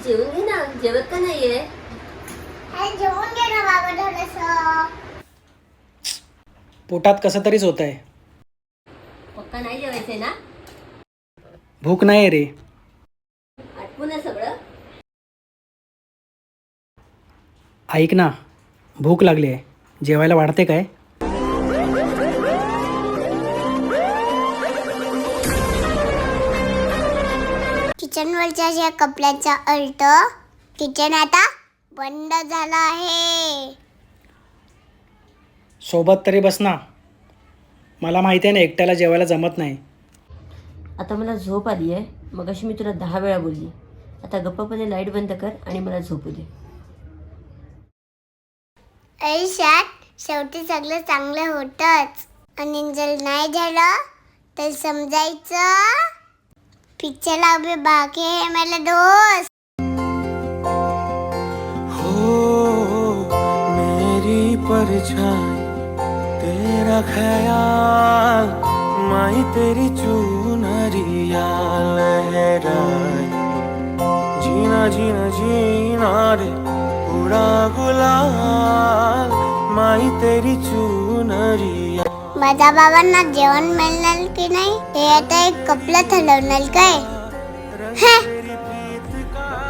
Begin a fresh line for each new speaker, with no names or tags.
जेवून घे ना, जेवत का नाहीये?
जेवून घे ना बाबा थोडंसं.
पोटात कसं तरीच होत आहे.
पक्का नाही जेवायचंय ना?
भूक नाही रे.
आठवू ना सगळं?
ऐक ना, भूक लागली आहे. जेवायला वाढते काय?
किचनवरच्या ज्या कपड्यांचा अल्ट किचन आता बंद झालं आहे.
सोबत तरी बस ना. मला माहिती आहे ना, एकट्याला जेवायला जमत नाही.
आता मला झोप आली आहे. मगाशी मी तुला 10 वेळा बोलली. आता गप्पापणे लाईट बंद कर आणि मला झोपू दे.
आयुष्यात शेवटी सगळं चांगलं होतंच. आणि जर नाही झालं तर समजायचं पिक्चर अभी बाकी है मेरा दोस्त.
हो मेरी परछाई तेरा ख्याल माही तेरी चुनरिया लहराए जीना जीना जीना रे उड़ा गुलाल माही तेरी चुनरिया.
माझ्या बाबांना जेवण मिळणार की नाही हे आता एक कपलं ठरवणार काय.